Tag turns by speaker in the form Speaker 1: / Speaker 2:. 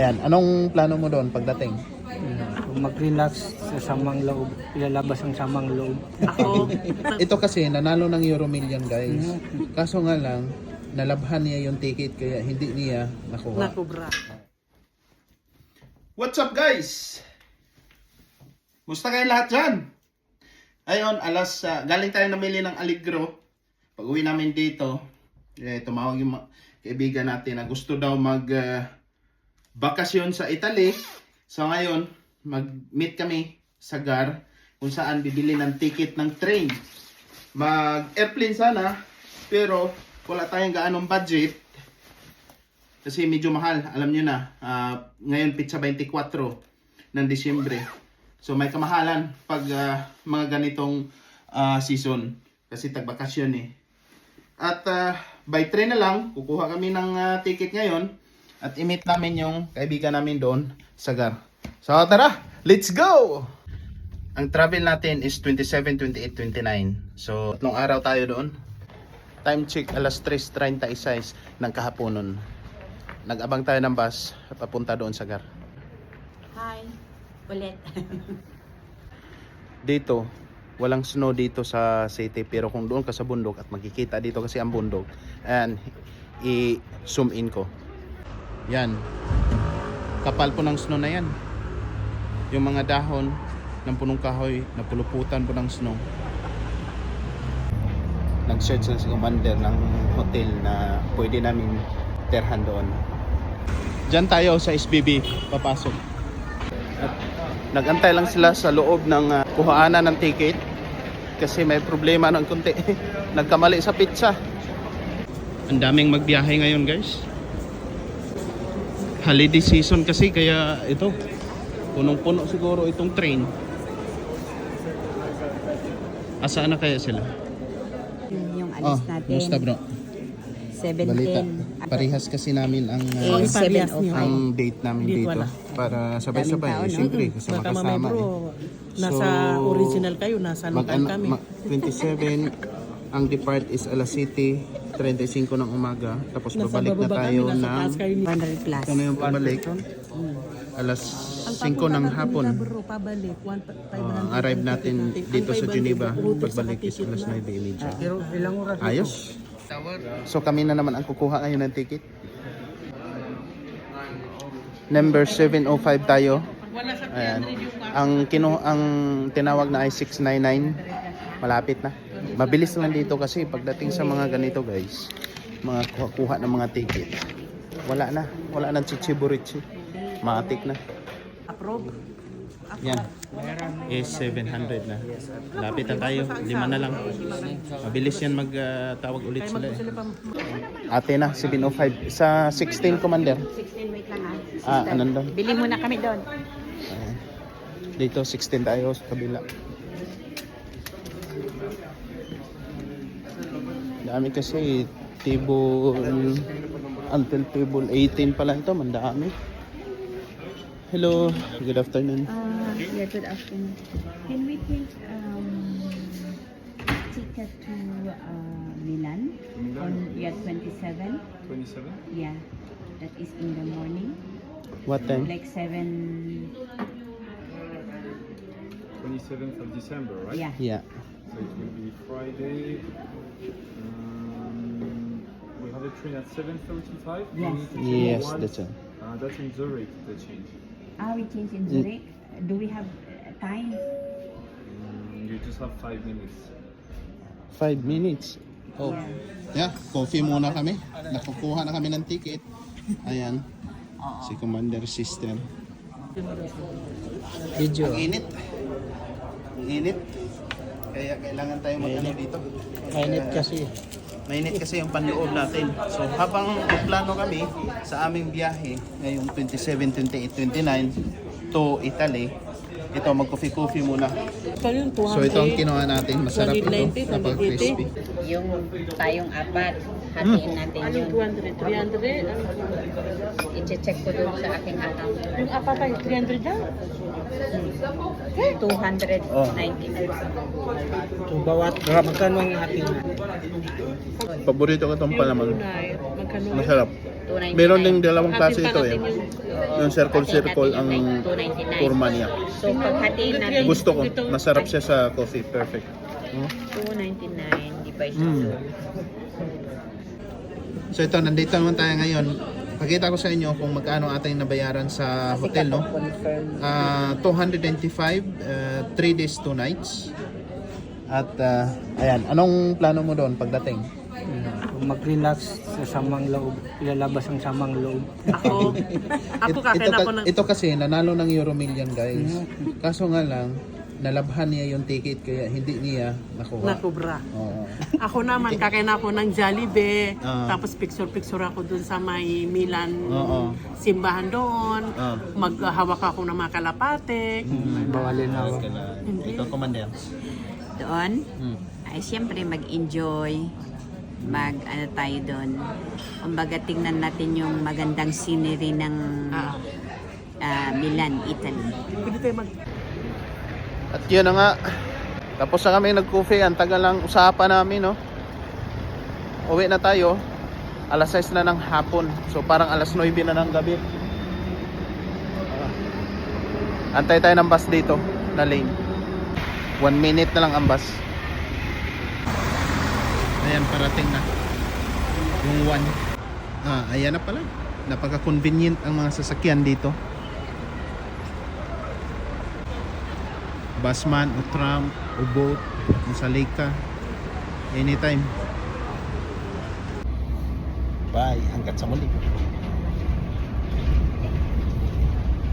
Speaker 1: Ayan, anong plano mo doon pagdating?
Speaker 2: Mag-relax sa samang loob, ilalabas ang samang loob.
Speaker 3: Ako,
Speaker 1: Ito kasi nanalo ng Euro Million guys. Kaso nga lang, nalabhan niya yung ticket kaya hindi niya nakuha.
Speaker 3: nakubra.
Speaker 1: What's up guys? Musta kayo lahat dyan? Ayun, galing tayo namili ng Allegro. Pag uwi namin dito, tumawag yung kaibigan natin na gusto daw bakasyon sa Italy. So ngayon, mag-meet kami sa GAR kung saan bibili ng ticket ng train. Mag-airplane sana, pero wala tayong gaanong budget. Kasi medyo mahal, alam nyo na. Ngayon, pizza 24 ng Disyembre. So may kamahalan pag mga ganitong season. Kasi tagbakasyon eh. At by train na lang, kukuha kami ng ticket ngayon. At i-meet namin yung kaibigan namin doon sa GAR. So tara, let's go! Ang travel natin is 27, 28, 29. So 3 araw tayo doon. Time check alas 3:36 ng kahaponon. Nag-abang tayo ng bus papunta doon sa GAR.
Speaker 3: Hi, ulit.
Speaker 1: Dito, walang snow dito sa city, pero kung doon ka sa bundok at makikita dito kasi ang bundok, and i-zoom in ko. Yan. Kapal po ng snow na yan. Yung mga dahon ng punong kahoy napuluputan po ng snow. Nag-search na si commander ng hotel na pwede namin terhan doon. Diyan tayo sa SBB papasok. At nagantay lang sila sa loob ng kuhaanan ng ticket kasi may problema ng konti. Nagkamali sa pizza. Ang daming magbiyahe ngayon guys. Holiday season kasi kaya ito punong-puno siguro itong train. Asaan na kaya sila?
Speaker 4: Yung alis natin.
Speaker 1: Kumusta bro?
Speaker 4: 7:10.
Speaker 1: Balita. Parehas kasi namin ang
Speaker 4: Parehas niyo.
Speaker 1: ang date namin
Speaker 3: Date
Speaker 1: dito
Speaker 3: wala.
Speaker 1: para sabay-sabay.
Speaker 4: Daming tao, no?
Speaker 1: Siyempre kasi
Speaker 3: Baka mamay
Speaker 1: makasama
Speaker 3: bro, nasa
Speaker 1: So,
Speaker 3: original kayo, nasa local kami.
Speaker 1: 27 ang depart is alas 7:35 ng umaga. Tapos
Speaker 3: Nasa
Speaker 1: babalik na
Speaker 3: bababa
Speaker 1: tayo
Speaker 3: kami, nasa
Speaker 1: ng
Speaker 3: taas kayo.
Speaker 4: 100 plus.
Speaker 1: kung yung pabalik alas 5 ng hapon.
Speaker 3: Bro, pabalik, 500.
Speaker 1: Arrive natin dito sa
Speaker 3: 500
Speaker 1: Geneva.
Speaker 3: utos sa
Speaker 1: Pagbalik is
Speaker 3: ticket
Speaker 1: alas
Speaker 3: na.
Speaker 1: 9:30.
Speaker 2: Pero ilang oras?
Speaker 1: Ayos. So kami na naman ang kukuha ngayon ng ticket. Number 705 tayo.
Speaker 3: Wala sa
Speaker 1: Ayan. Ang tinawag na ay 699. Malapit na. Mabilis lang dito kasi pagdating sa mga ganito guys, mga kuha ng mga ticket. Wala na chichiburichi. Matik na.
Speaker 3: Approve.
Speaker 1: Yan. Is 700 na. Lapit na tayo. 5 na lang. Mabilis yan magtawag ulit sila eh. Ate na, 705. Sa 16 commander.
Speaker 4: 16, wait lang ha.
Speaker 1: Anong
Speaker 4: Bili muna kami doon.
Speaker 1: Dito 16 tayo sa kabila. Dami kasi table until table 18 pala ito, mandami. Hello, good afternoon.
Speaker 4: Yeah, good afternoon. Can we take ticket to Milan on year 27?
Speaker 5: 27?
Speaker 4: Yeah, that is in the morning.
Speaker 1: What time?
Speaker 4: Like 7.
Speaker 5: 27th of December, right?
Speaker 4: Yeah.
Speaker 1: Yeah.
Speaker 5: So it will be Friday. We have a train at 7:35. We
Speaker 4: Yes.
Speaker 5: need to change
Speaker 1: Yes,
Speaker 5: once.
Speaker 1: that's all.
Speaker 5: That's in Zurich, the change.
Speaker 4: We change in Zurich. Do we have time?
Speaker 5: You just have 5 minutes.
Speaker 1: 5 minutes. Oh. Yeah, coffee muna kami. Nakukuha na kami ng ticket. Ayan. Si Commander Sister.
Speaker 2: Video.
Speaker 1: Ang init. Ang init. Kaya kailangan tayo mag-ano dito.
Speaker 2: Mainit kasi.
Speaker 1: Mainit kasi yung panloob natin. So habang plano kami sa aming biyahe ngayong 27, 28, 29 to Italy, ito mag-coffee muna.
Speaker 3: Kayong 200.
Speaker 1: So ito ang kinuha natin. Masarap ito.
Speaker 3: 290,
Speaker 1: Kapag crispy.
Speaker 4: Yung tayong apat, hatiin natin
Speaker 3: Anong
Speaker 4: yun.
Speaker 3: 200? 300?
Speaker 4: I-check ko doon sa aking account.
Speaker 3: Yung apa kayo, 300 na?
Speaker 4: 290.
Speaker 2: So, bawat magkano ang ating
Speaker 1: Paborito ko itong palaman.
Speaker 3: Magkano?
Speaker 1: Masarap.
Speaker 4: 299.
Speaker 1: Meron ding dalawang klase
Speaker 3: Hatiin
Speaker 1: ito
Speaker 3: pa
Speaker 1: eh.
Speaker 3: natin
Speaker 1: Yung circle
Speaker 4: Hatiin
Speaker 1: circle
Speaker 4: natin
Speaker 1: ang
Speaker 4: yung 299.
Speaker 1: kurma niya.
Speaker 4: So, paghatiin natin,
Speaker 1: Gusto ko. Masarap siya sa coffee. Perfect.
Speaker 4: 299 divided
Speaker 1: Mm. So ito, nandito naman tayo ngayon. Pakita ko sa inyo kung magkano ating nabayaran sa hotel, no? 295, 3 days, 2 nights. At ayan, anong plano mo doon pagdating?
Speaker 2: Mag-relax sa samang loob, ilalabas ang samang loob.
Speaker 3: Ako, ako kakain ako ng...
Speaker 1: Ito kasi nanalo ng Euro Million, guys. Kaso nga lang, nalabhan niya yung ticket kaya hindi niya nakuha.
Speaker 3: Nakubra.
Speaker 1: Oo.
Speaker 3: Ako naman, kakain ako ng Jollibee.
Speaker 1: Ah.
Speaker 3: Tapos picture-picture ako dun sa may Milan
Speaker 1: Oo.
Speaker 3: simbahan doon.
Speaker 1: Ah.
Speaker 3: Maghawak ako ng mga kalapate.
Speaker 2: Bawalin na ako.
Speaker 1: Ikaw, Commander.
Speaker 4: doon,
Speaker 1: Hmm.
Speaker 4: ay siyempre mag-enjoy, ano tayo doon. Kumbaga tingnan natin yung magandang scenery ng Milan, Italy.
Speaker 3: Pwede tayo mag...
Speaker 1: At yun na nga, tapos na kami nag-coffee, ang tagal lang usapan namin, no? Uwi na tayo, alas 6 na ng hapon, so parang alas 9 na ng gabi. Antay tayo ng bus dito, na lane. 1 minute na lang ang bus. Ayan, parating na. Yung 1. Ayan na pala. Napaka-convenient ang mga sasakyan dito. Busman o tram o boat kung sa lake ka, anytime. Bye, hanggat sa muli.